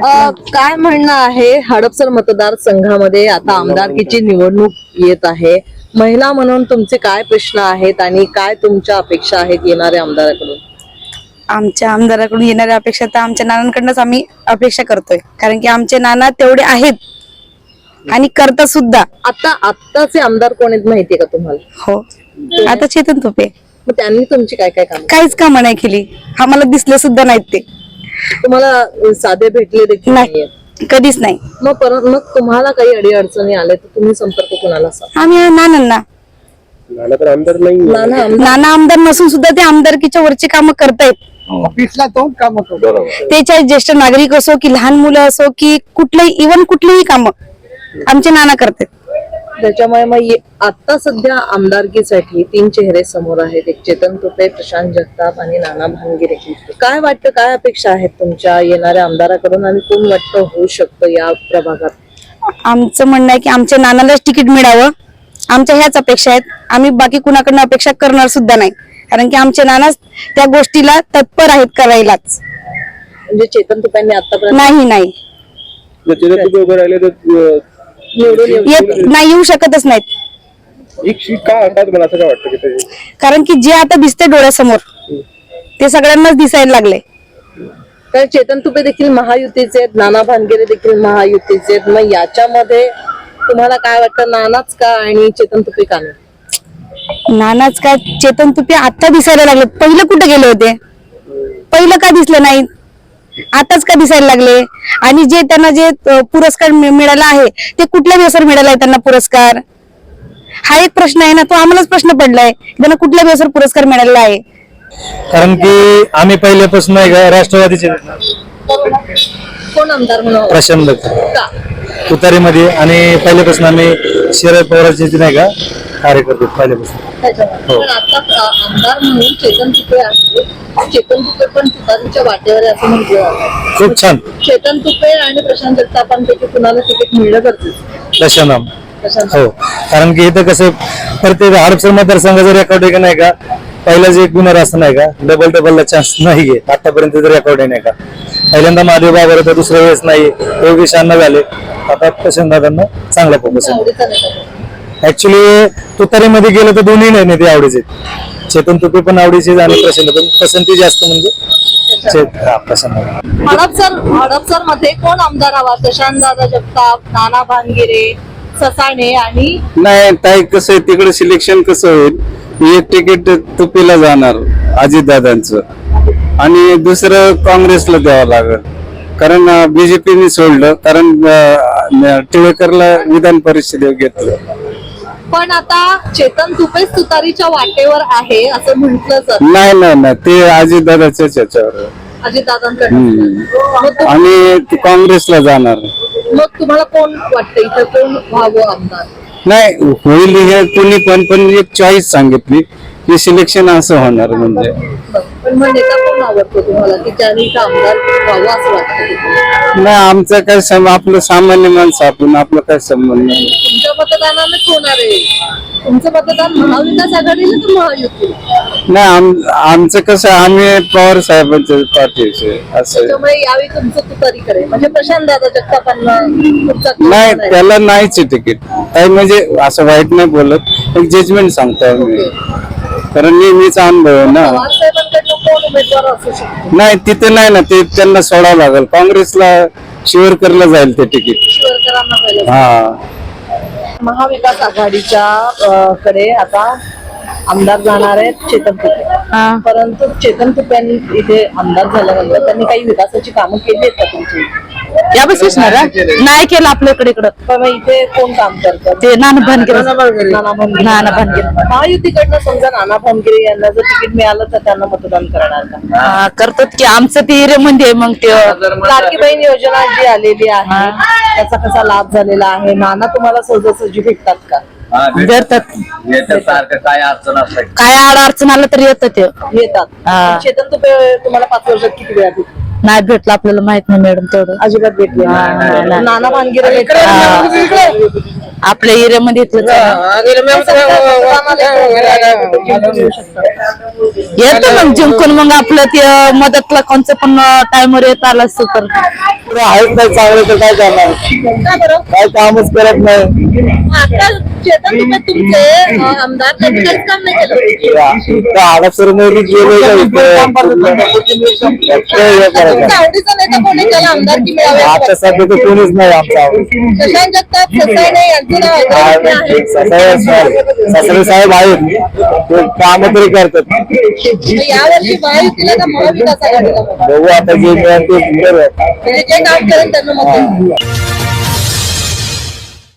काय म्हणणं आहे हडपसर मतदारसंघामध्ये आता आमदारकीची निवडणूक येत आहे. महिला म्हणून तुमचे काय प्रश्न आहेत आणि काय तुमच्या अपेक्षा आहेत येणाऱ्या आमदाराकडून? आमच्या आमदाराकडून येणाऱ्या अपेक्षा तर आमच्या नानांकडूनच आम्ही अपेक्षा करतोय, कारण की आमचे नाना तेवढे आहेत आणि करतात सुद्धा. आत्ताचे आमदार कोण आहेत माहितीये का तुम्हाला? हो, आता चेतन तुपे. मग त्यांनी तुमची काय काय काम? काहीच कामं नाही केली, आम्हाला दिसले सुद्धा नाहीत ते. तुम्हाला साधे भेटले देखील नाही, कधीच नाही. मग तुम्हाला काही अडीअडचणी आल्या तर तुम्ही संपर्क कोणाला साधा? आम्ही नानांना. नाना आमदार नसून सुद्धा ते आमदारकीच्या वरची कामं करतायत. ऑफिसला तो काम होतो. ते चाहे ज्येष्ठ नागरिक असो की लहान मुलं असो की कुठलेही, इव्हन कुठलीही कामं आमचे नाना करतात. त्याच्यामुळे मग आता सध्या आमदारकीसाठी 3 चेहरे समोर आहेत. एक चेतन तुपे, प्रशांत जगताप आणि नाना भानगिरे. काय वाटतं, काय अपेक्षा आहेत तुमच्या येणाऱ्या आमदाराकडून आणि कोण वाटतं होऊ शकतं या प्रभागात? आमचं म्हणणं आहे की आमच्या नानालाच तिकीट मिळावं, आमच्या ह्याच अपेक्षा आहेत. आम्ही बाकी कुणाकडनं अपेक्षा करणार सुद्धा नाही, कारण की आमचे नानाच त्या गोष्टीला तत्पर आहेत करायलाच. म्हणजे चेतन तुपेंनी आतापर्यंत नाही नाही येऊ शकतच नाहीत. कारण की जे आता दिसते डोळ्यासमोर ते सगळ्यांनाच दिसायला लागले. कारण चेतन तुपे देखील महायुतीचे आहेत, नाना भानगिरे देखील महायुतीचे आहेत. मग याच्यामध्ये तुम्हाला काय वाटतं, नानाच का आणि चेतन तुपे का नाही? नानाच काय, चेतन तुपे आता दिसायला लागले. पहिलं कुठे गेले होते? पहिलं का दिसले नाहीत? आताच का दिसायला लागले? आणि जे त्यांना जे पुरस्कार मिळाला आहे ते कुठल्या बेसवर मिळाला आहे त्यांना पुरस्कार? हा एक प्रश्न आहे ना, तो आम्हालाच प्रश्न पडलाय, त्यांना कुठल्या बेसवर पुरस्कार मिळालेला आहे? कारण की आम्ही पहिल्यापासून नाही का राष्ट्रवादीचे कोण आमदार म्हणून? प्रशांत का? तुतारीमध्ये, आणि पहिल्यापासून आम्ही शरद पवारांचे नाही का कार्यकर्ते पहिल्यापासून. पण आता आमदार म्हणून चेतन तुपे आहे. चेतन तुपे पण तुतारीच्या वाटेवर आहे असं म्हटलं जातं. खूप छान. चेतन तुपे आणि प्रशांत जगतापांपैकी कुणाला तिकीट मिळलं गरजेचं? प्रशांत. हो, कारण की इथं कसं प्रत्येक हडपसर मतदारसंघ जर रेकॉर्ड आहे का नाही का, पहिलाच एक गुन्हा असं नाही का, डबलला चान्स नाही आहे आतापर्यंत जर रेकॉर्ड आहे नाही का. पहिल्यांदा महादेव बाबर होतं, दुसऱ्या वेळेस नाही, योगेश अण्णा झाले, आता प्रशांत दादांना चांगला फोकस आहे. ऍक्च्युली तुतारीमध्ये गेलं तर दोन्ही नाही ते आवडीचे. चेतन तुपे पण आवडीचे आणि प्रशांत पण पसंती जास्त म्हणजे प्रशांत. हडपसर मध्ये कोण आमदार हवा? प्रशांत दादा जगताप, नाना भानगिरे, ससाणे आणि नाही ताई, कसं आहे तिकडे सिलेक्शन कसं होईल, एक तिकीट तुपीला जाणार अजितदादांचं आणि दुसरं काँग्रेसला द्यावं लागेल. कारण बीजेपीने सोडलं, कारण टिळेकरला विधान परिषदेवर घेतलं. पण आता चेतन तुपेच तुतारीच्या वाटेवर आहे असं म्हटलं जातं. नाही ते अजितदादाच्याच याच्यावर अजितदादांकडे. आणि काँग्रेसला जाणार. मग तुम्हाला कोण वाटतं इथं कोण व्हावं आमदार? नाही होईल हे कोणी पण एक चॉईस सांगितली की सिलेक्शन असं होणार. म्हणजे पण मग नेता कोण आवडतो तुम्हाला की ज्याने इथं आमदार व्हावं असं वाटतं? नाही, आमचं काय आपलं सामान्य माणसं आपण, आपलं काय संबंध नाही. तुमच्या मतदानानेच होणार आहे. तुमचं मतदान महाविकास आघाडीला तर महायुती? नाही, आमचं कसं, आम्ही पवार साहेबांच्या पाठीचे असं. त्याच्यामुळे यावेळी तुमचं तुतारीकडे म्हणजे प्रशांत दादा जगतापांना नाही, त्याला नाहीच तिकीट. काय म्हणजे असं वाईट नाही बोलत, एक जजमेंट सांगतो आम्ही, कारण नेहमीचा अनुभव आहे ना. कोण उमेदवार असू शकतो? नाही, तिथे नाही ना, ते त्यांना सोडावं लागेल. काँग्रेसला शिवरकरला जाईल ते तिकीट. शिवरकरांना पहिलं. हा, महाविकास आघाडीच्या कडे आता आमदार जाणार आहेत चेतन तुपे. परंतु चेतन तुप्यांनी इथे आमदार झाल्यानंतर त्यांनी काही विकासाची कामं केली आहेत का तुमची? यावेळेस नाही केलं आपल्याकडे. पण इथे कोण काम करतात? ते नाना भानगिरे. महायुतीकडनं समजा नाना भानगिरे यांना जर तिकीट मिळालं तर त्यांना मतदान करणार का? करतात की आमचं ते म्हणजे मग ते लाडकी बहीण योजना जी आलेली आहे त्याचा कसा लाभ झालेला आहे? नाना तुम्हाला सहजासहजी भेटतात का? काय अडचण असते, काय अडचण आलं तर येतात. येतात. चेतन तुपे तुम्हाला 5 वर्षात किती वेळा भेटले? नाही भेटलं, आपल्याला माहित नाही मॅडम तेवढं. अजिबात भेटले. नाना भानगिरे आपल्या एरियामध्ये इथलंच आहे येतो मग जिंकून मग आपलं ते मदतला कोणचं पण टाइमवर येत आलं असतं तर आहेत नाही चांगले तर काय करणार का बरं काय कामच करत नाही आता चेतन तुपे तुमचे आमदार त्यांनी काहीच काम नाही केलं हडपसर मध्ये तुमच्या आवडीचा नेता कोणी त्याला आमदारकी मिळावी असं आता सध्या तर कोणीच नाही आमचा वाटतं? शशांक जगताप ससाणे यांचं नाव अग्रगण्य आहे सासरे साहेब आहेत ते काम तरी करतात तर यावर्षी महायुतीला का महाविकास आघाडीला मत? बघू आता जे मिळेल ते करू. म्हणजे जे काम करेल त्यांना मत देणार.